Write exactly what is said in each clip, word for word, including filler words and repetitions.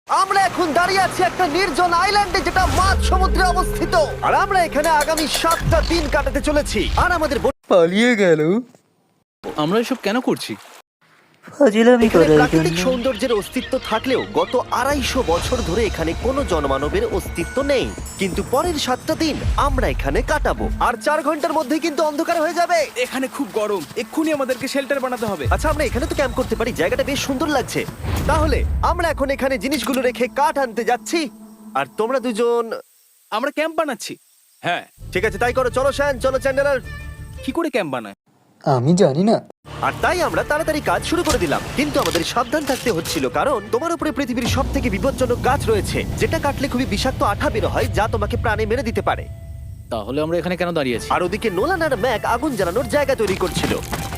আমরা এখন দাঁড়িয়ে আছি একটা নির্জন আইল্যান্ডে যেটা মাঝ সমুদ্রে অবস্থিত, আর আমরা এখানে আগামী সাতটা দিন কাটাতে চলেছি। আর আমাদের বোট পালিয়ে গেল। আমরা এসব কেন করছি? ফাজিলামি এখানে করার প্রাকৃতিক জন্য। সৌন্দর্যের অস্তিত্ব থাকলেও গত আড়াইশো বছর ধরে এখানে কোনো জনমানবের অস্তিত্ব নেই। কিন্তু পরের সাতটা দিন আমরা এখানে কাটাবো, আর চার ঘন্টার মধ্যেই কিন্তু অন্ধকার হয়ে যাবে। এখানে খুব গরম, এক্ষুনি আমাদেরকে শেল্টার বানাতে হবে। আচ্ছা, আমরা এখানে তো ক্যাম্প করতে পারি, জায়গাটা বেশ সুন্দর লাগছে। তাহলে আমরা এখন এখানে জিনিসগুলো রেখে কাঠ আনতে যাচ্ছি, আর তোমরা দুজন আমরা ক্যাম্প বানাচ্ছি। হ্যাঁ, ঠিক আছে তাই করো। চলো শ্যান, চলো চ্যান্ডেলার। কি করে ক্যাম্প বানায়? আমি জানি না। আর তাই আমরা তাড়াতাড়ি কাজ শুরু করে দিলাম, কিন্তু আমাদের সাবধান থাকতে হচ্ছিল, কারণ তোমার উপরে পৃথিবীর সব থেকে বিপজ্জনক গাছ রয়েছে, যেটা কাটলে খুবই বিষাক্ত আঠা বের হয়, যা তোমাকে প্রাণে মেরে দিতে পারে। তাহলে আমরা এখানে কেন দাঁড়িয়ে আছি? আর ওদিকে নোলান আর ম্যাক আগুন জ্বালানোর জায়গা তৈরি করছিল।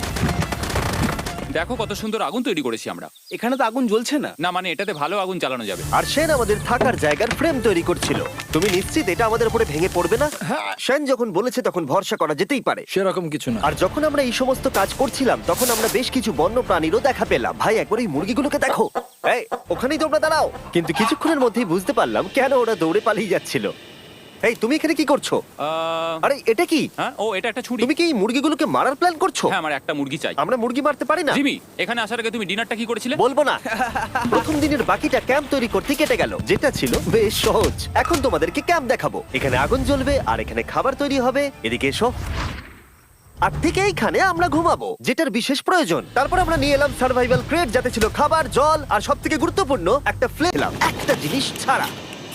দেখো কত সুন্দর আগুন তৈরি করেছি আমরা। এখানে তো আগুন জ্বলছে না। না মানে এটাতে ভালো আগুন চালানো যাবে। আর সেন আমাদের থাকার জায়গার ফ্রেম তৈরি করছিল। তুমি নিশ্চিত এটা আমাদের উপরে ভেঙে পড়বে না? সেন যখন বলেছে তখন ভরসা করা যেতেই পারে। সেরকম কিছু না। আর যখন আমরা এই সমস্ত কাজ করছিলাম তখন আমরা বেশ কিছু বন্য প্রাণীরও দেখা পেলাম। ভাই, একবার এই মুরগিগুলোকে দেখো। এই, ওখানেই তোমরা দাঁড়াও। কিন্তু কিছুক্ষণের মধ্যেই বুঝতে পারলাম কেন ওরা দৌড়ে পালিয়ে যাচ্ছিল। এই, তুমি এখানে কি করছো? আহ, আরে এটা কি? হ্যাঁ, ও এটা একটা ছুরি। তুমি কি এই মুরগিগুলোকে মারার প্ল্যান করছো? হ্যাঁ, আমার একটা মুরগি চাই। আমরা মুরগি মারতে পারি না। জিমি, এখানে আসার আগে তুমি ডিনারটা কি করেছিলে? বলবো না। প্রথম দিনের বাকিটা ক্যাম্প তৈরি করতে কেটে গেল, যেটা ছিল বেশ সহজ। এখন তোমাদেরকে ক্যাম্প দেখাবো। এখানে আগুন জ্বলবে আর এখানে খাবার তৈরি হবে। এদিকে এসো। আর ঠিক এইখানে আমরা ঘুমাবো, যেটার বিশেষ প্রয়োজন। তারপর আমরা নিয়ে এলাম সার্ভাইভাল ক্রেট, যাতে ছিল খাবার, জল আর সব থেকে গুরুত্বপূর্ণ একটা ফ্লেম। একটা জিনিস ছাড়া।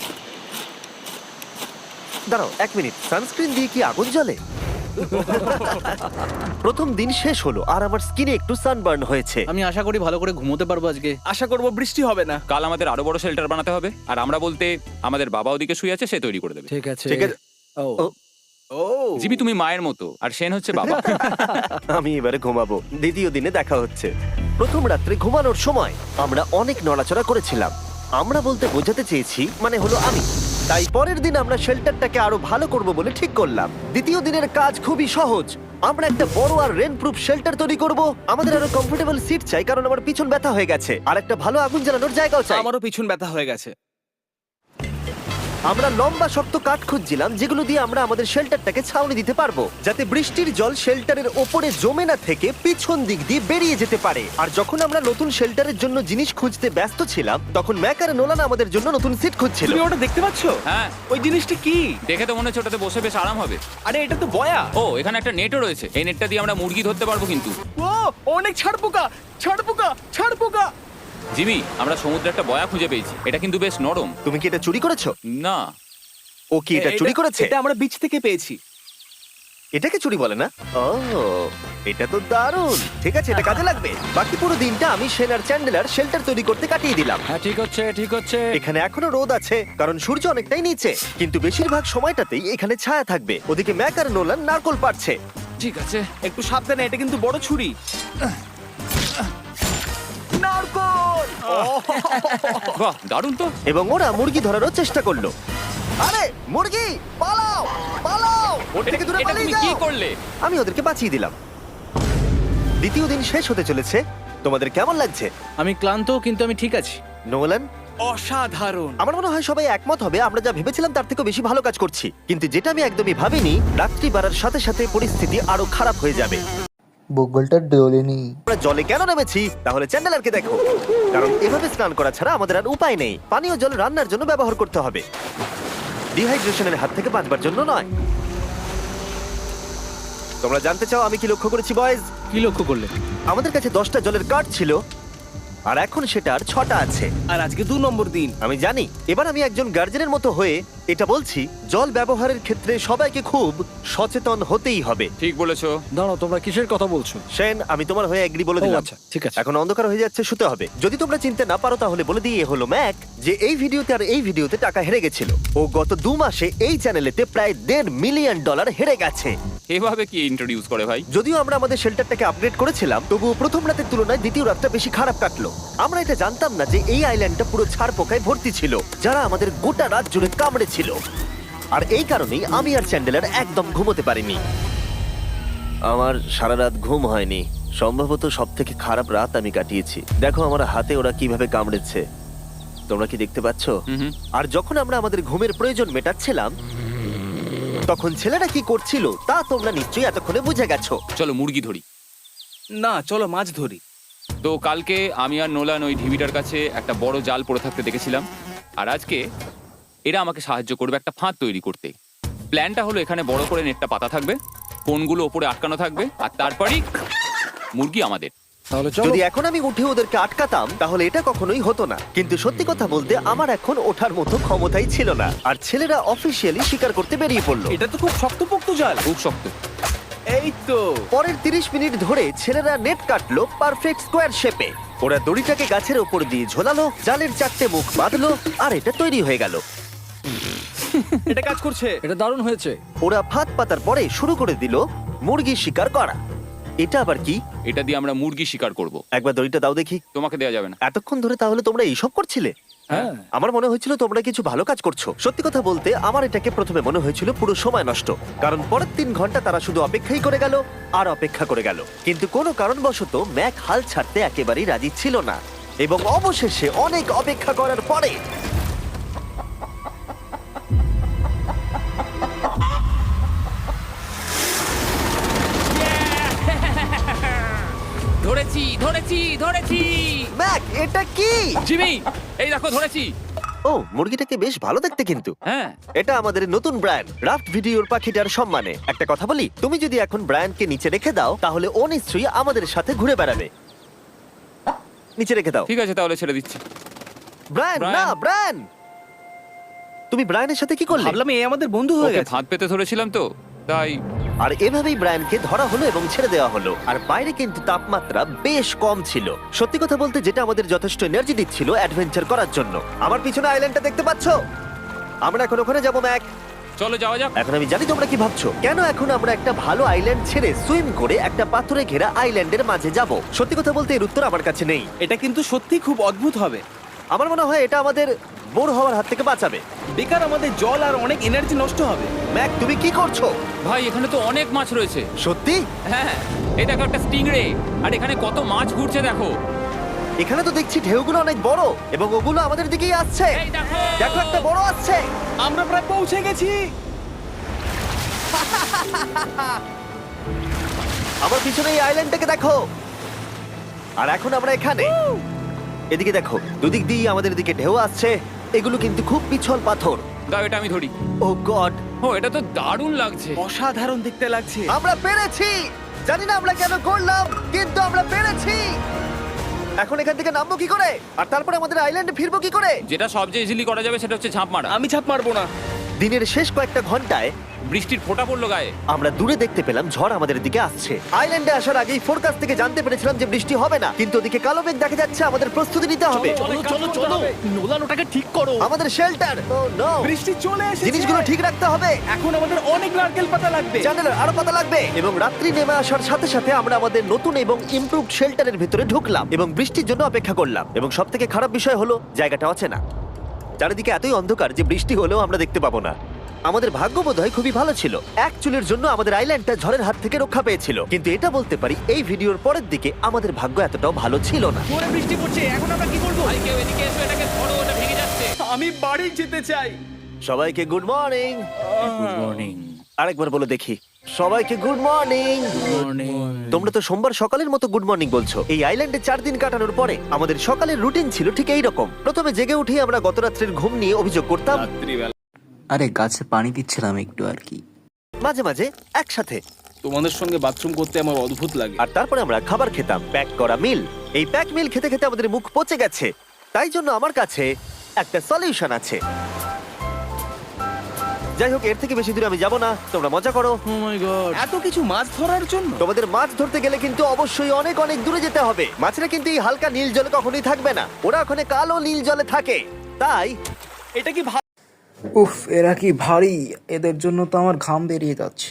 দাঁড়াও এক মিনিট, সানস্ক্রিন দিয়ে কি আগুন জ্বলে? প্রথম দিন শেষ হলো আর আমার স্কিনে একটু সানবার্ন হয়েছে। আমি আশা করি ভালো করে ঘুমোতে পারবো আজকে। আশা করব বৃষ্টি হবে না। কাল আমাদের আরো বড় শেল্টার বানাতে হবে, আর আমরা বলতে আমাদের বাবা ওদিকে শুয়ে আছে, সে তৈরি করে দেবে। ঠিক আছে। ঠিক আছে। ও ও, ও জিমি তুমি মায়ের মতো, আর সেন হচ্ছে বাবা। আমি এবারে ঘুমাবো। দ্বিতীয় দিনে দেখা হচ্ছে। প্রথম রাত্রে ঘুমানোর সময় আমরা অনেক নড়াচড়া করেছিলাম। আমরা বলতে বোঝাতে চেয়েছি, মানে হলো আমি। তাই পরের দিন আমরা শেল্টারটাকে আরো ভালো করব বলে ঠিক করলাম। দ্বিতীয় দিনের কাজ খুবই সহজ। আমরা একটা বড় আর রেন প্রুফ শেল্টার তৈরি করব। আমাদের আরো কমফোর্টেবল সিট চাই, কারণ আমার পিছন ব্যথা হয়ে গেছে, আর একটা ভালো আগুন জ্বালানোর জায়গাও চাই। আমারও পিছন ব্যথা হয়ে গেছে। আমরা লম্বা শক্ত কাঠ খুঁজছিলাম, যেগুলো দিয়ে আমরা আমাদের শেল্টারটাকে ছাউনি দিতে পারবো, যাতে বৃষ্টির জল শেল্টারের ওপরে জমে না থেকে পিছন দিক দিয়ে বেরিয়ে যেতে পারে। আর যখন আমরা নতুন শেল্টারের জন্য জিনিস খুঁজতে ব্যস্ত ছিলাম, তখন ম্যাক আর নোলান আমাদের জন্য নতুন সিট খুঁজছিল। তুমি ওটা দেখতে পাচ্ছো? হ্যাঁ, ওই জিনিসটা কি? দেখে তো মনে হচ্ছে ওটাতে বসে বেশ আরাম হবে। আরে এটা তো বয়া। ও, এখানে একটা নেটও রয়েছে। এই নেটটা দিয়ে আমরা মুরগি ধরতে পারবো। কিন্তু ও অনেক ছাড় পোকা, ছাড় পোকা, ছাড় পোকা। জিমি, আমরা সমুদ্রে একটা বয়া খুঁজে পেয়েছি। এটা কিন্তু বেশ নরম। তুমি কি এটা চুরি করেছো? না, ও কি এটা চুরি করেছে? এটা আমরা বিচ থেকে পেয়েছি। এটাকে চুরি বলে না? ও, এটা তো দারুণ। ঠিক আছে, এটা কাজে লাগবে। বাকি পুরো দিনটা আমি সেন আর চ্যান্ডেলার শেল্টার তৈরি করতে কাটিয়ে দিলাম। হ্যাঁ, ঠিক হচ্ছে, ঠিক হচ্ছে। এখানে এখনো রোদ আছে, কারণ সূর্য অনেকটাই নিচে, কিন্তু বেশিরভাগ সময়টাতেই এখানে ছায়া থাকবে। ওদিকে ম্যাক আর নোলান নারকল পাড়ছে। ঠিক আছে। একটু সাবধানে, এটা কিন্তু বড় ছুরি। নারকল। বাহ, দারুণ তো। এবং ওরা মুরগি ধরারও চেষ্টা করলো। আরে মুরগি, পালাও পালাও, ওর থেকে দূরে এটা পালিয়ে তুমি কি যাও। করলে? আমি ওদেরকে বাঁচিয়ে দিলাম। দ্বিতীয় দিন শেষ হতে চলেছে। তোমাদের কেমন লাগছে? আমি ক্লান্ত, কিন্তু আমি ঠিক আছি। নোলান? অসাধারণ। আমার মনে হয় সবাই একমত হবে, আমরা যা ভেবেছিলাম তার থেকে বেশি ভালো কাজ করছি। কিন্তু যেটা আমি একদমই ভাবিনি, রাত্রি বাড়ার সাথে সাথে পরিস্থিতি আরো খারাপ হয়ে যাবে। বগলটা ডোলেনি। আমরা জলে কেন নেমেছি? তাহলে চ্যান্ডেলারকে দেখো, কারণ এভাবে স্নান করা ছাড়া আমাদের আর উপায় নেই। পানীয় জল রান্নার জন্য ব্যবহার করতে হবে, ডিহাইড্রেশনের হাত থেকে বাঁচবার জন্য নয়। তোমরা জানতে চাও আমি কি লক্ষ্য করেছি বয়েজ? কি লক্ষ্য করলে? আমাদের কাছে দশটা জলের কার্ড ছিল, আর এখন সেটা আর ছটা আছে। আর আজকে দু নম্বর দিন। আমি জানি। এবার আমি একজন গার্জেনের মতো হয়ে এটা বলছি, জল ব্যবহারের ক্ষেত্রে সবাইকে খুব সচেতন হতেই হবে। ঠিক বলেছো। দাঁড়াও, তোমরা কিসের কথা বলছো? সেন, আমি তোমার হয়ে এগ্রি বলে ও, দিলাম। আচ্ছা, ঠিক আছে। এখন অন্ধকার হয়ে যাচ্ছে, শুতে হবে। যদি তোমরা চিনতে না পারো তাহলে বলে দিয়ে হলো ম্যাক, যে এই ভিডিওতে আর এই ভিডিওতে টাকা হেরে গেছিল। ও গত দু মাসে এই চ্যানেলেতে প্রায় দেড় মিলিয়ন ডলার হেরে গেছে। এভাবে কি ইন্ট্রোডিউস করে ভাই? যদিও আমরা আমাদের শেল্টারটাকে আপগ্রেড করেছিলাম, তবুও প্রথম রাতের তুলনায় দ্বিতীয় রাতটা বেশি খারাপ কাটলো। আমরা এটা জানতাম না যে এই আইল্যান্ডটা পুরো ছাড় পোকায় ভর্তি ছিল, যারা আমাদের গোটা রাত জুড়ে কামড়েছিল। আর এই কারণেই আমি আর চ্যান্ডেলার একদম ঘুমোতে পারিনি। আমার সারা রাত ঘুম হয়নি। সম্ভবত সব থেকে খারাপ রাত আমি কাটিয়েছি। দেখো আমার হাতে ওরা কিভাবে কামড়েছে। তোমরা কি দেখতে পাচ্ছ? হুম হুম। আর যখন আমরা আমাদের ঘুমের প্রয়োজন মেটাচ্ছিলাম তখন ছেলেরা কি করছিল তা তোমরা নিশ্চয়ই এতক্ষণে বুঝে গেছো। চলো মুরগি ধরি। না চলো মাছ ধরি। তো কালকে আমি আর নোলান ওই ঢিবিটার কাছে একটা বড় জাল পড়ে থাকতে দেখেছিলাম, আর আজকে এরা আমাকে সাহায্য করবে একটা ফাঁদ তৈরি করতে। প্ল্যানটা হলো এখানে বড় করে নেটটা পাতা থাকবে, কোনগুলো ওপরে আটকানো থাকবে, আর তারপরেই মুরগি আমাদের। তাহলে চলো। যদি এখন আমি উঠে ওদেরকে আটকাতাম তাহলে এটা কখনোই হতো না, কিন্তু সত্যি কথা বলতে আমার এখন ওঠার মতো ক্ষমতাই ছিল না। আর ছেলেরা অফিসিয়ালি স্বীকার করতে বেরিয়ে পড়লো। এটা তো খুব শক্তপোক্ত জাল। খুব শক্ত। এই তো পরের তিরিশ মিনিট ধরে ছেলেরা নেট কাটলো পারফেক্ট স্কোয়ার শেপে। ওরা দড়িটাকে গাছের ওপর দিয়ে ঝোলালো, জালের চারটে মুখ বাঁধলো, আর এটা তৈরি হয়ে গেল। এটা কাজ করছে। এটা দারুণ হয়েছে। ওরা ফাঁদ পাতার পরে শুরু করে দিল মুরগি শিকার করা। এটা আবার কি? এটা দিয়ে আমরা মুরগি শিকার করব। একবার দড়িটা দাও দেখি। তোমাকে দেওয়া যাবে না। এতক্ষণ ধরে তাহলে তোমরা এইসব করছিলে? হ্যাঁ। আমার মনে হয়েছিল তোমরা কিছু ভালো কাজ করছো। সত্যি কথা বলতে আমার এটাকে প্রথমে মনে হয়েছিল পুরো সময় নষ্ট, কারণ পরের তিন ঘন্টা তারা শুধু অপেক্ষাই করে গেল আর অপেক্ষা করে গেল। কিন্তু কোনো কারণবশত ম্যাক হাল ছাড়তে একেবারেই রাজি ছিল না, এবং অবশেষে অনেক অপেক্ষা করার পরে ধরেছি ধরেছি ধরেছি। ম্যাক এটা কি? জিমি এই দেখো ধরেছি। ও, মুরগিটাকে বেশ ভালো দেখতে কিন্তু। হ্যাঁ এটা আমাদের নতুন ব্র্যান্ড রাফট ভিডিওর পাখিটার সম্মানে। একটা কথা বলি, তুমি যদি এখন ব্র্যান্ডকে নিচে রেখে দাও তাহলে ও নিশ্চয়ই আমাদের সাথে ঘুরে বেড়াবে। নিচে রেখে দাও। ঠিক আছে তাহলে ছেড়ে দিচ্ছি। Brian, Brian. না ব্রায়ান, তুমি ব্রায়ানের সাথে কি করলে? ভাবলাম এই আমাদের বন্ধু হয়ে ওকে গেছে। ফাঁদ পেতে ধরেছিলাম তো তাই। আর এভাবেই ব্রায়ানকে ধরা হলো এবং ছেড়ে দেওয়া হলো। আর বাইরে কিন্তু তাপমাত্রা বেশ কম ছিল। সত্যি কথা বলতে যেটা আমাদের যথেষ্ট এনার্জি দিচ্ছিল অ্যাডভেঞ্চার করার জন্য। আমার পিছনে আইল্যান্ডটা দেখতে পাচ্ছো? আমরা এখন ওখানে যাবো ম্যাক। চলো যাওয়া যাক। এখন আমি জানি তোমরা কি ভাবছো, কেন এখন আমরা একটা ভালো আইল্যান্ড ছেড়ে সুইম করে একটা পাথরে ঘেরা আইল্যান্ডের মাঝে যাব? সত্যি কথা বলতে এর উত্তর আমার কাছে নেই। এটা কিন্তু সত্যি খুব অদ্ভুত হবে। আমার মনে হয় এটা আমাদের বোর হওয়ার হাত থেকে বাঁচাবে। বেকার আমাদের জল আর অনেক এনার্জি নষ্ট হবে। ম্যাক, তুমি কি করছো? ভাই এখানে তো অনেক মাছ রয়েছে। সত্যি? হ্যাঁ এই দেখো একটা স্টিংরে, আর এখানে কত মাছ ঘুরছে দেখো। এখানে তো দেখছি ঢেউগুলো অনেক বড় এবং ওগুলো আমাদের দিকেই আসছে। এই দেখো দেখো একটা বড় আসছে। আমরা প্রায় পৌঁছে গেছি। আমার পিছনে এই আইল্যান্ডটাকে দেখো। আর এখন আমরা এখানে। এদিকে দেখো, দুদিক দিয়ে আমাদের দিকে ঢেউ আসছে। এগুলো কিন্তু খুব পিছল পাথর। দাও এটা আমি ধরি। ও গড, ও এটা তো দারুণ লাগছে। অসাধারণ দেখতে লাগছে। আমরা পেরেছি। জানি না আমরা কেন করলাম, কিন্তু আমরা পেরেছি। এখন এখান থেকে নামবো কি করে, আর তারপরে আমাদের আইল্যান্ডে ফিরবো কি করে? যেটা সবচেয়ে ইজিলি করা যাবে সেটা হচ্ছে ঝাঁপ মারা। আমি ছাপ মারবো না। দিনের শেষ কয়েকটা ঘন্টায় বৃষ্টির ফোঁটা পড়লো গায়ে। আমরা দূরে দেখতে পেলাম ঝড় আমাদের দিকে আসছে। আইল্যান্ডে আসার আগেই ফোরকাস্ট থেকে জানতে পেরেছিলাম যে বৃষ্টি হবে না, কিন্তু ওদিকে কালো মেঘ দেখা যাচ্ছে। আমাদের প্রস্তুতি নিতে হবে। চলো চলো চলো, নোলান ওটাকে ঠিক করো। আমাদের শেল্টার, ও নো, বৃষ্টি চলে এসেছে। জিনিসগুলো ঠিক রাখতে হবে। এখন আমাদের অনেক নারকেল পাতা লাগবে। জানালার আরো পাতা লাগবে। এবং রাত্রি নেমে আসার সাথে সাথে আমরা আমাদের নতুন এবং ইমপ্রুভড শেল্টারের ভিতরে ঢুকলাম এবং বৃষ্টির জন্য অপেক্ষা করলাম। এবং সব থেকে খারাপ বিষয় হলো জায়গাটা অচেনা। চারিদিকে এতই অন্ধকার যে বৃষ্টি হলেও আমরা দেখতে পাবো না। আমাদের ভাগ্য বোধহয় খুবই ভালো ছিল। এক চুলের জন্য আমাদের আইল্যান্ডটা ঝড়ের হাত থেকে রক্ষা পেয়েছিল, কিন্তু এটা বলতে পারি এই ভিডিওর পরের দিকে আমাদের ভাগ্য এতটাও ভালো ছিল না। জোরে বৃষ্টি পড়ছে, এখন আমরা কি করব? ভাই কেউ এদিকে এসো, এটাকে ধরো, ওটা ভেঙে যাচ্ছে। আমি বাড়ি যেতে চাই। সবাইকে গুড মর্নিং। Good morning. আরেকবার বলে দেখি, সবাইকে গুড মর্নিং। তোমরা তো সোমবার সকালের মতো গুড মর্নিং বলছো। এই আইল্যান্ডে চার দিন কাটানোর পরে আমাদের সকালের রুটিন ছিল ঠিক এই রকম। প্রথমে জেগে উঠে আমরা গত রাত্রের ঘুম নিয়ে অভিযোগ করতাম, আরে গাছে পানি দিচ্ছিলাম একটু আর কি। মাঝে মাঝে একসাথে। তোমাদের সঙ্গে বাথরুম করতে আমার অদ্ভুত লাগে। আর তারপরে আমরা খাবার খেতাম, প্যাক করা মিল। এই প্যাক মিল খেতে খেতে আমাদের মুখ পচে গেছে। তাই জন্য আমার কাছে একটা সলিউশন আছে। যাই হোক, এর থেকে বেশি দূরে আমি যাব না, তোমরা মজা করো। Oh my god. এত কিছু মাছ ধরার জন্য তোমাদের মাছ ধরতে গেলে কিন্তু অবশ্যই অনেক অনেক দূরে যেতে হবে। মাছেরা কিন্তু এই হালকা নীল জলে কখনোই থাকবে না, ওরা ওখানে কালো নীল জলে থাকে। তাই এটা কি ভা- উফ, এরা কি ভারী, এদের জন্য তো আমার ঘাম বেরিয়ে যাচ্ছে।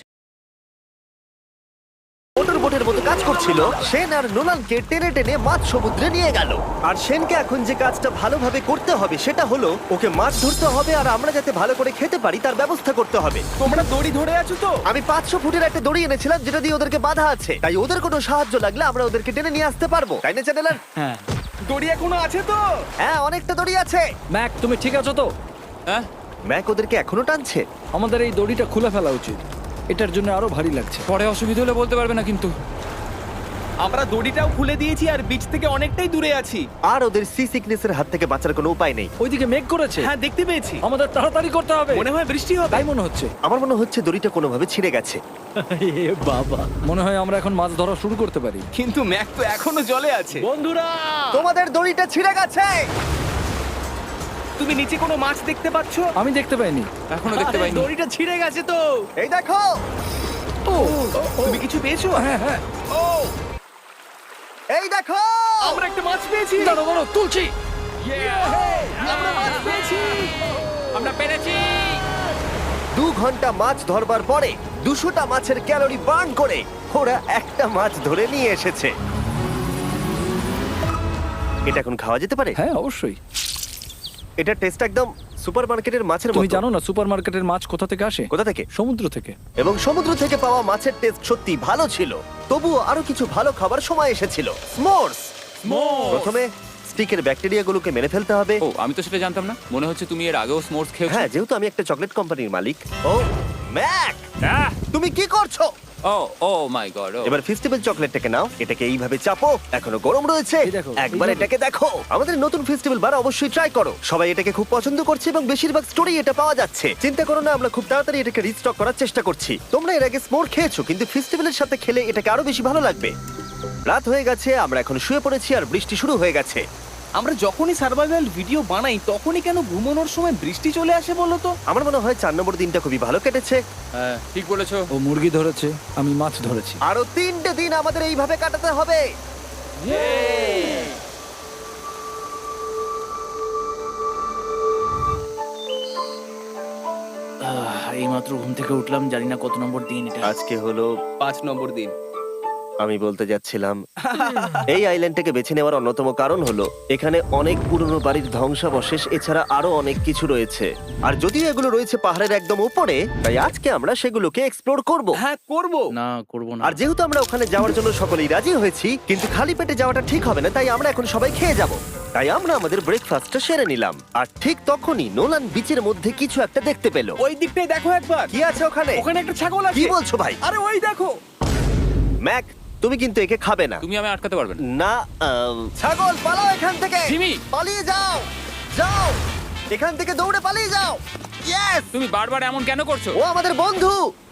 মোটর বোটের মতো কাজ করছিল। সেন আর নোলানকে টেনে টেনে মাছ সমুদ্রে নিয়ে গেল। আর সেনকে এখন যে কাজটা ভালোভাবে করতে হবে সেটা হলো ওকে মাছ ধরতে হবে, আর আমরা যাতে ভালো করে খেতে পারি তার ব্যবস্থা করতে হবে। তোমরা দড়ি ধরে আছো তো? আমি পাঁচশো ফুটের একটা দড়ি এনেছিলাম যেটা দিয়ে ওদেরকে বাধা আছে, তাই ওদের কোনো সাহায্য লাগলে আমরা ওদেরকে টেনে নিয়ে আসতে পারবো, তাই না চ্যানেলার? হ্যাঁ। দড়ি এখনো আছে তো? হ্যাঁ, অনেকটা দড়ি আছে। ম্যাক তুমি ঠিক আছো তো? হ্যাঁ ম্যাক ওদেরকে এখনো টানছে। আমাদের এই দড়িটা খুলে ফেলা উচিত, এটার জন্য আরো ভারী লাগছে। পরে অসুবিধা হলে বলতে পারবে না কিন্তু। আমরা দড়িটাও খুলে দিয়েছি আর বিচ থেকে অনেকটাই দূরে আছি। আর ওদের সি সিকনেসের হাত থেকে বাঁচার কোনো উপায় নেই। ওইদিকে মেঘ করেছে। হ্যাঁ দেখতে পেয়েছি। আমাদের তাড়াতাড়ি করতে হবে। মনে হয় বৃষ্টি হবে। তাই মনে হচ্ছে। আমার মনে হচ্ছে দড়িটা কোনোভাবে ছিঁড়ে গেছে। এ বাবা, মনে হয় আমরা এখন মাছ ধরা শুরু করতে পারি। কিন্তু ম্যাক তো এখনো জলে আছে। বন্ধুরা, তোমাদের দড়িটা ছিঁড়ে গেছে। তুমি নিচে কোনো মাছ দেখতে পাচ্ছো? আমি দেখতে পাইনি। এখনো দেখতে আরে, পাইনি। দড়িটা ছিঁড়ে গেছে তো। এই দেখো। ও, তুমি কিছু পেয়েছো? হ্যাঁ হ্যাঁ। ও, এই দেখো। আমরা একটা মাছ পেয়েছি। দাঁড়ো দাঁড়ো, তুলছি। আমরা মাছ পেয়েছি। আমরা পেরেছি। দু ঘন্টা মাছ ধরবার পরে দুশোটা মাছের ক্যালোরি বার্ন করে ওরা একটা মাছ ধরে নিয়ে এসেছে। এটা এখন খাওয়া যেতে পারে? হ্যাঁ অবশ্যই। এটা টেস্ট একদম সুপারমার্কেটের মাছের তুমি মতো। জানো না সুপারমার্কেটের মাছ কোথা থেকে আসে? কোথা থেকে? সমুদ্র থেকে। এবং সমুদ্র থেকে পাওয়া মাছের টেস্ট সত্যি ভালো ছিল। তবুও আরো কিছু ভালো খাবার সময় এসেছিল। স্মোর্স। প্রথমে স্টিকের ব্যাকটেরিয়াগুলোকে মেরে ফেলতে হবে। ও আমি তো সেটা জানতাম না। মনে হচ্ছে তুমি এর আগেও স্মোর্স খেয়েছো। হ্যাঁ, যেহেতু আমি একটা চকলেট কোম্পানির মালিক। ও ম্যাক, আহ! তুমি কি করছো? ও ও মাই গড। এবার ফেস্টিভ্যাল চকলেটটাকে নাও, এটাকে এইভাবে চাপো, এখনো গরম রয়েছে। এই দেখো, একবার এইভাবে। এটাকে দেখো। আমাদের নতুন ফেস্টিভ্যাল বার অবশ্যই ট্রাই করো। সবাই এটাকে খুব পছন্দ করছে এবং বেশিরভাগ স্টোরি এটা পাওয়া যাচ্ছে। চিন্তা করো না, আমরা খুব তাড়াতাড়ি এটাকে রিস্টক করার চেষ্টা করছি। তোমরা এর আগে স্মোর খেয়েছো, কিন্তু ফেস্টিভ্যালের সাথে খেলে এটাকে আরো বেশি ভালো লাগবে। রাত হয়ে গেছে, আমরা এখন শুয়ে পড়েছি আর বৃষ্টি শুরু হয়ে গেছে। আমরা যখনই সার্ভাইভাল ভিডিও বানাই তখনই কেন ঘুমানোর সময় বৃষ্টি চলে আসে বলো তো? আমার মনে হয় চার নম্বর দিনটা খুবই ভালো কেটেছে। হ্যাঁ ঠিক বলেছো। ও মুরগি ধরেছে, আমি মাছ ধরেছি। আরো তিনটে দিন আমাদের এইভাবে কাটাতে হবে। এইমাত্র ঘুম থেকে উঠলাম, জানি না কত নম্বর দিন এটা। আজকে হলো, পাঁচ নম্বর দিন। আমি বলতে যাচ্ছিলাম, এই আইল্যান্ডটাকে বেছে নেওয়ার অন্যতম কারণ হলো এখানে অনেক পুরনো বাড়ির ধ্বংসাবশেষ, এছাড়া আরো অনেক কিছু রয়েছে। আর যদিও এগুলো রয়েছে পাহাড়ের একদম উপরে, তাই আজকে আমরা সেগুলোকে এক্সপ্লোর করব। হ্যাঁ করব। না করব না। আর যেহেতু আমরা ওখানে যাওয়ার জন্য সকলেই রাজি হয়েছি, কিন্তু খালি পেটে যাওয়াটা ঠিক হবে না, তাই আমরা এখন সবাই খেয়ে যাব। তাই আমরা আমাদের ব্রেকফাস্টটা সেরে নিলাম। আর ঠিক তখনই নোলান বিচের মধ্যে কিছু একটা দেখতে পেল। ওই দিকটাই দেখো একবার। কি আছে ওখানে? ওখানে একটা ছাগল আছে। কি বলছো ভাই? আরে ওই দেখো। ম্যাক, তুমি কিন্তু একে খাবে না। তুমি আমি আটকাতে পারবে না। না, আম, ছাগল পালাও এখান থেকে। জিমি! পালিয়ে যাও, যাও এখান থেকে, দৌড়ে পালিয়ে যাও। ইয়েস! তুমি বারবার এমন কেন করছো? ও আমাদের বন্ধু।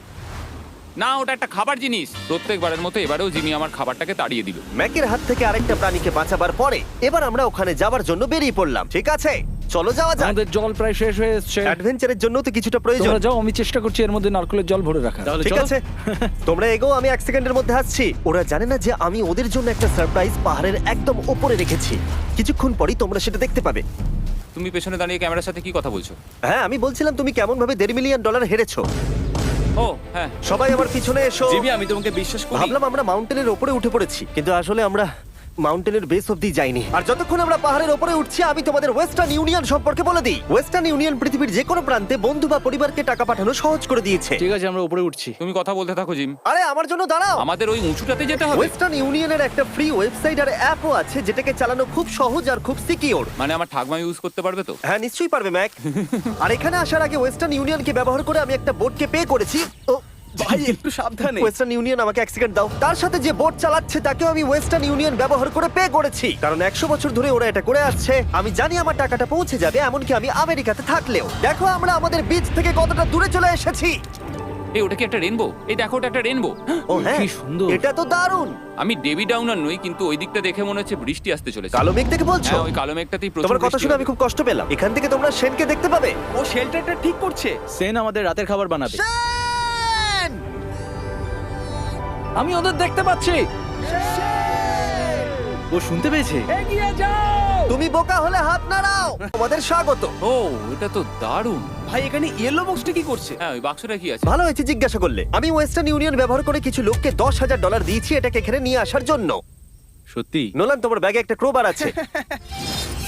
না ওটা একটা খাবার জিনিস। প্রত্যেকবারের মতো এবারেও জিমি আমার খাবারটাকে তাড়িয়ে দিল। ম্যাকের হাত থেকে আরেকটা প্রাণীকে বাঁচাবার পরে এবার আমরা ওখানে যাবার জন্য বেরিয়ে পড়লাম। ঠিক আছে, চলো যাওয়া যাক। আমাদের জল প্রায় শেষ হয়ে এসেছে। অ্যাডভেঞ্চারের জন্য তো কিছুটা প্রয়োজন। তোমরা যাও, আমি চেষ্টা করছি এর মধ্যে নারকেলের জল ভরে রাখা। ঠিক আছে, তোমরা এগো, আমি এক সেকেন্ডের মধ্যে আসছি। ওরা জানে না যে আমি ওদের জন্য একটা সারপ্রাইজ পাহাড়ের একদম উপরে রেখেছি। কিছুক্ষণ পরেই তোমরা সেটা দেখতে পাবে। তুমি পেছনে দাঁড়িয়ে ক্যামেরার সাথে কি কথা বলছো? হ্যাঁ, আমি বলছিলাম তুমি কেমন ভাবে দেড় মিলিয়ন ডলার হেরেছো। ও হ্যাঁ। সবাই আমার পিছনে এসো। জিমি আমি তোমাকে বিশ্বাস করি। ভাবলাম আমরা মাউন্টেনের উপরে উঠে পড়েছি, কিন্তু আসলে আমরা মাউন্টেনের বেস অব্দি যাইনি। আর যতক্ষণ আমরা পাহাড়ের উপরে উঠছি, আমি তোমাদের ওয়েস্টার্ন ইউনিয়ন সম্পর্কে বলে দিই। ওয়েস্টার্ন ইউনিয়ন পৃথিবীর যে কোনো প্রান্তে বন্ধু বা পরিবারকে টাকা পাঠানো সহজ করে দিয়েছে। ঠিক আছে, আমরা উপরে উঠছি। তুমি কথা বলতে থাকো জিম। আরে আমার জন্য দাঁড়াও। আমাদের ওই উঁচুটাতে যেতে হবে। ওয়েস্টার্ন ইউনিয়নের একটা ফ্রি ওয়েবসাইট আর অ্যাপও আছে, যেটাকে চালানো খুব সহজ আর খুব সিকিউর। মানে আমার ঠাকমা ইউজ করতে পারবে তো? হ্যাঁ, নিশ্চয়ই পারবে ম্যাক। আর এখানে আসার আগে ওয়েস্টার্ন ইউনিয়নকে ব্যবহার করে আমি একটা বোটকে পে করেছি। ও ভাই একটু সাবধানে। ওয়েস্টার্ন ইউনিয়ন আমাকে এক সেকেন্ড দাও। তার সাথে যে বোট চালাচ্ছে তাকেও আমি ওয়েস্টার্ন ইউনিয়ন ব্যবহার করে পে করেছি, কারণ একশো বছর ধরে ওরা এটা করে আসছে। আমি জানি আমার টাকাটা পৌঁছে যাবে, এমনকি আমি আমেরিকাতে থাকলেও। দেখো আমরা আমাদের বিচ থেকে কতটা দূরে চলে এসেছি। এই ওটা কি একটা রেনবো? এই দেখো ওটা একটা রেনবো। ও হ্যাঁ, কি সুন্দর। এটা তো দারুণ। আমি ডেভি ডাউনার নই, কিন্তু ওই দিকটা দেখে মনে হচ্ছে বৃষ্টি আসতে চলেছে। কালো মেঘ দেখে বলছো? হ্যাঁ ওই কালো মেঘটাতেই প্রচুর তোমার কথা বৃষ্টি শুনে হবে। আমি খুব কষ্ট পেলাম। এখান থেকে তোমরা সেনকে দেখতে পাবে। ও শেল্টারটা ঠিক করছে। সেন আমাদের রাতের খাবার বানাবে। সেন! আমি ওদের দেখতে পাচ্ছি। ও শুনতে পেয়েছে। এগিয়ে যাও। তুমি বোকা হলে হাত নাড়াও। তোমাদের স্বাগত। ও এটা তো দারুণ। ভাই এখানে ইয়েলো বক্সটা কি করছে? হ্যাঁ ওই বাক্সটা কি আছে? ভালো হয়েছে জিজ্ঞাসা করলে। আমি ওয়েস্টার্ন ইউনিয়ন ব্যবহার করে কিছু লোককে দশ হাজার ডলার দিয়েছি এটাকে এখানে নিয়ে আসার জন্য। সত্যি? নোলান, তোমার ব্যাগে একটা ক্রোবার আছে।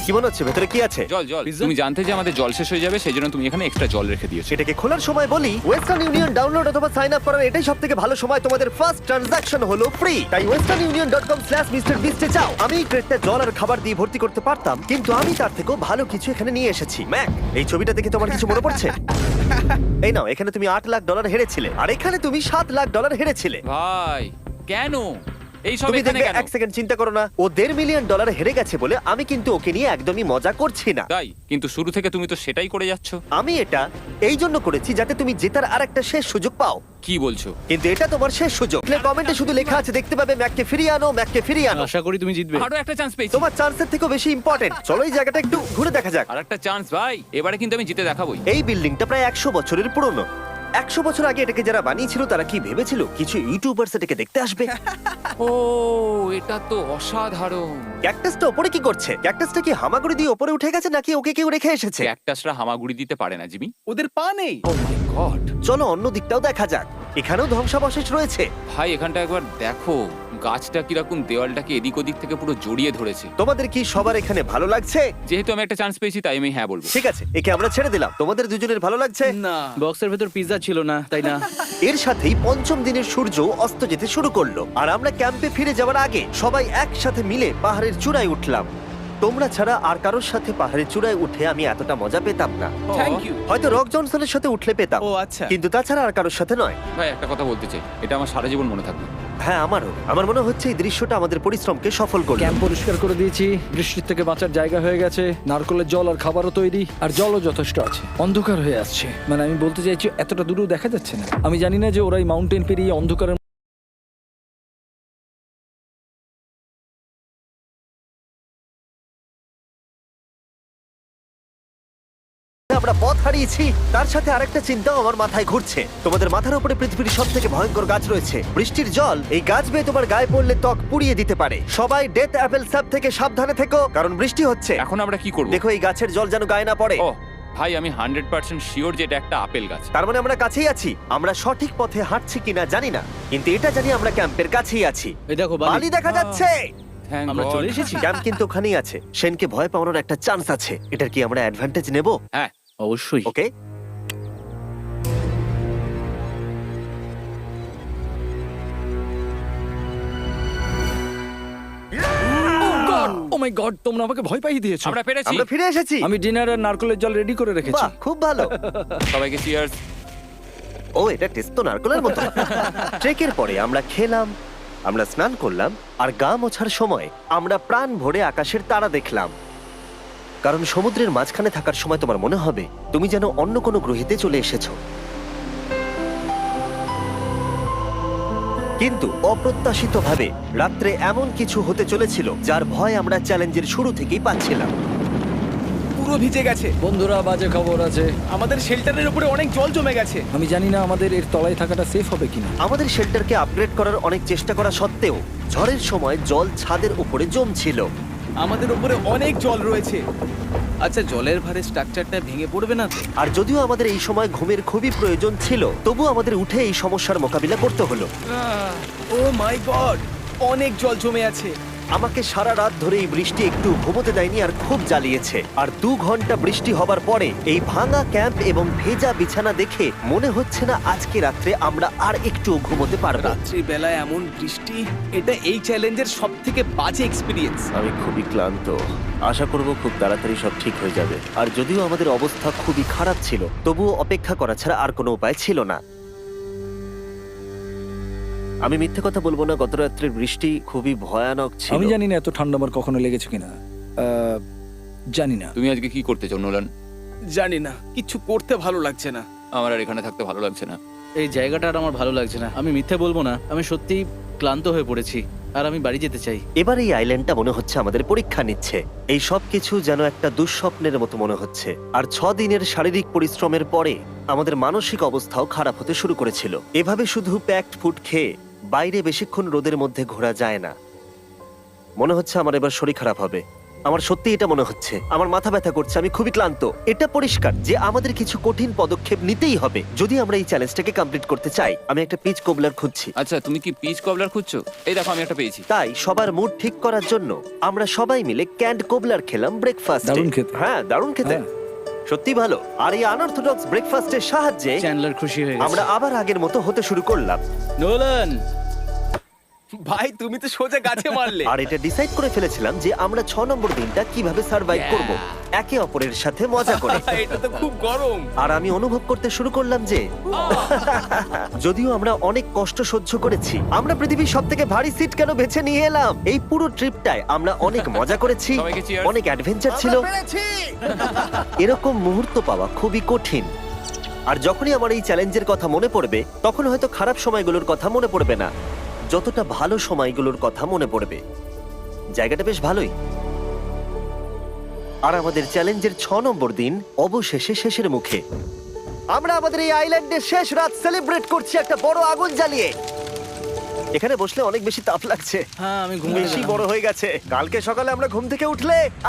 কি মনে হচ্ছে ভেতরে কি আছে? জল জল তুমি জানতে যে আমাদের জল শেষ হয়ে যাবে সেই জন্য তুমি এখানে এক্সট্রা জল রেখে দিয়েছো। সেটাকে খোলার সময় বলি, ওয়েস্টার্ন ইউনিয়ন ডাউনলোড অথবা সাইন আপ করার এটাই সব থেকে ভালো সময়। তোমাদের ফার্স্ট ট্রানজাকশন হলো ফ্রি। তাই Western Union dot com slash mister বিস্টে যাও। আমি এই ক্রেটটা জল আর খাবার দিয়ে ভর্তি করতে পারতাম, কিন্তু আমি তার থেকেও ভালো কিছু এখানে নিয়ে এসেছি। ম্যাক, এই ছবিটা দেখে তোমার কিছু মনে পড়ছে? এই নাও, এখানে তুমি আট লাখ ডলার হেরেছিলে, আর এখানে তুমি সাত লাখ ডলার হেরেছিলে। ভাই কেন এই সব তুমি এখানে দেখবে, কেন? এক সেকেন্ড চিন্তা করো না। ও দেড় মিলিয়ন ডলার হেরে গেছে বলে আমি কিন্তু ওকে নিয়ে একদমই মজা করছি না। তাই কিন্তু শুরু থেকে তুমি তো সেটাই করে যাচ্ছ। আমি এটা এই জন্য করেছি যাতে তুমি জেতার আর একটা শেষ সুযোগ পাও। কি বলছো? কিন্তু এটা তোমার শেষ সুযোগ। কমেন্টে শুধু লেখা আছে, দেখতে পাবে ম্যাককে ফিরিয়ে আনো, ম্যাককে ফিরিয়ে আনো। আশা করি তুমি জিতবে। আরো একটা চান্স পেয়েছি। তোমার চান্সের থেকেও বেশি ইম্পর্টেন্ট। চলো এই জায়গাটা একটু ঘুরে দেখা যাক। আর একটা চান্স ভাই, এবারে কিন্তু আমি জিতে দেখাবোই। এই বিল্ডিংটা প্রায় একশো বছরের পুরনো। একশো বছর আগে এটাকে যারা বানিয়েছিল তারা কি ভেবেছিল কিছু ইউটিউবার্স এটাকে দেখতে আসবে? ও এটা তো অসাধারণ। ক্যাকটাসটা ওপরে কি করছে? ক্যাকটাসটা কি হামাগুড়ি দিয়ে ওপরে উঠে গেছে নাকি ওকে কেউ রেখে এসেছে? ক্যাকটাসরা হামাগুড়ি দিতে পারে না জিমি। ওদের পা নেই। Oh my god. চলো অন্য দিকটাও দেখা যাক। এখানেও ধ্বংসাবশেষ রয়েছে। ভাই এখানটা একবার দেখো, গাছটা কিরকম দেওয়ালটাকে এদিক ওদিক থেকে পুরো জড়িয়ে ধরেছে। তোমাদের কি সবার এখানে ভালো লাগছে? যেহেতু আমি একটা চান্স পেয়েছি তাই আমি হ্যাঁ বলবো। ঠিক আছে, একে আমরা ছেড়ে দিলাম। তোমাদের দুজনের ভালো লাগছে? না, বক্সের ভেতর পিৎজা ছিল না, তাই না? এর সাথেই পঞ্চম দিনের সূর্য অস্ত যেতে শুরু করলো, আর আমরা ক্যাম্পে ফিরে যাওয়ার আগে সবাই একসাথে মিলে পাহাড়ের চূড়ায় উঠলাম। তোমরা ছাড়া আর কারোর সাথে পাহাড়ের চূড়ায় উঠে আমি এতটা মজা পেতাম না। Thank you. হয়তো রক জনসনের সাথে উঠলে পেতাম, ও আচ্ছা। কিন্তু তাছাড়া আর কারোর সাথে নয়। ভাই একটা কথা বলতে চাই, এটা আমার সারা জীবন মনে থাকবে। হ্যাঁ, আমারও। আমার মনে হচ্ছে এই দৃশ্যটা আমাদের পরিশ্রমকে সফল করলো। ক্যাম্প পরিষ্কার করে দিয়েছি, বৃষ্টির থেকে বাঁচার জায়গা হয়ে গেছে, নারকেলের জল আর খাবারও তৈরি, আর জলও যথেষ্ট আছে। অন্ধকার হয়ে আসছে, মানে আমি বলতে চাইছি এতটা দূরেও দেখা যাচ্ছে না। আমি জানি না যে ওরা এই মাউন্টেন পেরিয়ে অন্ধকারের আমরা পথ হারিয়েছি, তার সাথে আরেকটা চিন্তাও আমার মাথায় ঘুরছে। তোমাদের মাথার উপরে পৃথিবীর সব থেকে ভয়ঙ্কর গাছ রয়েছে। বৃষ্টির জল এই গাছ বেয়ে তোমার গায়ে পড়লে ত্বক পুড়িয়ে দিতে পারে। সবাই ডেথ অ্যাপেল স্যাপ থেকে সাবধানে থেকো, কারণ বৃষ্টি হচ্ছে। এখন আমরা কি করব? দেখো এই গাছের জল যেন গায়ে না পড়ে। ও ভাই আমি হান্ড্রেড পার্সেন্ট শিওর যে এটা একটা আপেল গাছ। তার মানে আমরা কাছেই আছি। আমরা সঠিক পথে হাঁটছি কিনা জানি না, কিন্তু এটা জানি আমরা ক্যাম্পের কাছেই আছি। এই দেখো বালি বালি। দেখা যাচ্ছে। Thank আমরা God. চলে এসেছি। ক্যাম্প কিন্তু ওখানেই আছে। সেনকে ভয় পাওয়ানোর একটা চান্স আছে। এটার কি আমরা অ্যাডভান্টেজ নেব? হ্যাঁ অবশ্যই। ওকে, ও মাই গড, তোমরা আমাকে ভয় পাইয়ে দিয়েছো। আমরা পেরেছি। আমরা ফিরে এসেছি। আমি ডিনার আর নারকেলের জল রেডি করে রেখেছি। বাহ, খুব ভালো। সবাইকে চিয়ার্স। ও, এটা টেস্ট তো নারকেলের মতো। ট্রেকের পরে আমরা খেলাম, আমরা স্নান করলাম, আর গা মোছার সময় আমরা প্রাণ ভরে আকাশের তারা দেখলাম। কারণ সমুদ্রের মাঝখানে থাকার সময় তোমার মনে হবে তুমি যেন অন্য কোনো গ্রহেতে চলে এসেছো। কিন্তু অপ্রত্যাশিতভাবে রাত্রে এমন কিছু হতে চলেছিল যার ভয় আমরা চ্যালেঞ্জের শুরু থেকেই পাচ্ছিলাম। পুরো ভিজে গেছে। বন্ধুরা, বাজে খবর আছে। আমাদের শেল্টারের উপরে অনেক জল জমে গেছে। আমি জানি না আমাদের এর তলায় থাকাটা সেফ হবে কিনা। আমাদের শেল্টারকে আপগ্রেড করার অনেক চেষ্টা করা সত্ত্বেও ঝড়ের সময় জল ছাদের উপরে জমছিল। আমাদের উপরে অনেক জল রয়েছে। আচ্ছা, জলের ভারে স্ট্রাকচারটা ভেঙে পড়বে না তো? আর যদিও আমাদের এই সময় ঘুমের খুবই প্রয়োজন ছিল, তবু আমাদের উঠে এই সমস্যার মোকাবিলা করতে হলো। ও মাই গড, অনেক জল জমে আছে। আমাকে সারা রাত ধরে এই বৃষ্টি একটু ঘুমোতে দেয়নি আর খুব জ্বালিয়েছে। আর দু ঘন্টা বৃষ্টি হবার পরে এই ভাঙা ক্যাম্প এবং ভেজা বিছানা দেখে মনে হচ্ছে না আজকে রাত্রে আমরা আর একটু ঘুমোতে পারবো। রাত্রি বেলায় এমন বৃষ্টি, এটা এই চ্যালেঞ্জের সব থেকে বাজে এক্সপিরিয়েন্স। আমি খুবই ক্লান্ত। আশা করব খুব তাড়াতাড়ি সব ঠিক হয়ে যাবে। আর যদিও আমাদের অবস্থা খুবই খারাপ ছিল, তবুও অপেক্ষা করা ছাড়া আর কোনো উপায় ছিল না। আমি মিথ্যে কথা বলবো না, গত রাত্রের বৃষ্টি খুবই ভয়ানক ছিল। আমি জানি না এত ঠান্ডা আমার কখনো লেগেছে কিনা। আহ, জানি না। তুমি আজকে কি করতে চাও নোলান? জানি না, কিছু করতে ভালো লাগছে না। আমার আর এখানে থাকতে ভালো লাগছে না। এই জায়গাটা আর আমার ভালো লাগছে না। আমি মিথ্যে বলবো না, আমি সত্যিই ক্লান্ত হয়ে পড়েছি আর আমি বাড়ি যেতে চাই। এবার এই আইল্যান্ডটা মনে হচ্ছে আমাদের পরীক্ষা নিচ্ছে। এই সব কিছু যেন একটা দুঃস্বপ্নের মতো মনে হচ্ছে। আর ছ দিনের শারীরিক পরিশ্রমের পরে আমাদের মানসিক অবস্থাও খারাপ হতে শুরু করেছিল। এভাবে শুধু প্যাকড ফুড খেয়ে বাইরে বেশিক্ষণ রোদের মধ্যে ঘোরা যায় না। মনে হচ্ছে আমার এবার শরীর খারাপ হবে। আমার সত্যি এটা মনে হচ্ছে। আমার মাথা ব্যথা করছে, আমি খুবই ক্লান্ত। এটা পরিষ্কার যে আমাদের কিছু কঠিন পদক্ষেপ নিতেই হবে যদি আমরা এই চ্যালেঞ্জটাকে কমপ্লিট করতে চাই। আমি একটা পিচ কোবলার খুঁজছি। আচ্ছা, তুমি কি পিচ কবলার খুঁজছো? এই দেখো, আমি একটা পেয়েছি। তাই সবার মুড ঠিক করার জন্য আমরা সবাই মিলে ক্যান্ড কোবলার খেলাম ব্রেকফাস্ট। দারুণ খেতে। হ্যাঁ, দারুণ খেতে, হ্যাঁ। সত্যি ভালো। আর এই আনঅর্থোডক্স ব্রেকফাস্টের সাহায্যে চ্যান্ডলার খুশি হয়ে আমরা গেছে। আবার আগের মতো হতে শুরু করলাম। নোলান, ভাই তুমি তো সোজা গাছে মারলে। আর এটা ডিসাইড করে ফেলেছিলাম যে আমরা ছ নম্বর দিনটা কিভাবে সার্ভাইভ করব, একে অপরের সাথে মজা করে। এটা তো খুব গরম। আর আমি অনুভব করতে শুরু করলাম যে যদিও আমরা অনেক কষ্ট সহ্য করেছি, আমরা পৃথিবীর সব থেকে ভারী সিট কেন বেছে নিয়ে এলাম। এই পুরো ট্রিপটায় আমরা অনেক মজা করেছি, সবাইকে cheers। অনেক অ্যাডভেঞ্চার ছিল। এরকম মুহূর্ত পাওয়া খুবই কঠিন। আর যখনই আমার এই চ্যালেঞ্জের কথা মনে পড়বে, তখন হয়তো খারাপ সময়গুলোর কথা মনে পড়বে না, যতটা ভালো সময়গুলোর কথা মনে পড়বে। জায়গাটা বেশ ভালোই। আর আমাদের চ্যালেঞ্জের ছ নম্বর দিন অবশেষে শেষের মুখে। আমরা আমাদের এই আইল্যান্ডের শেষ রাত সেলিব্রেট করছি একটা বড় আগুন জ্বালিয়ে। এখানে বসলে অনেক বেশি তাপ লাগছে, হ্যাঁ আমি ঘুমিয়ে বেশি বড় হয়ে গেছে। কালকে সকালে আমরা ঘুম থেকে উঠলে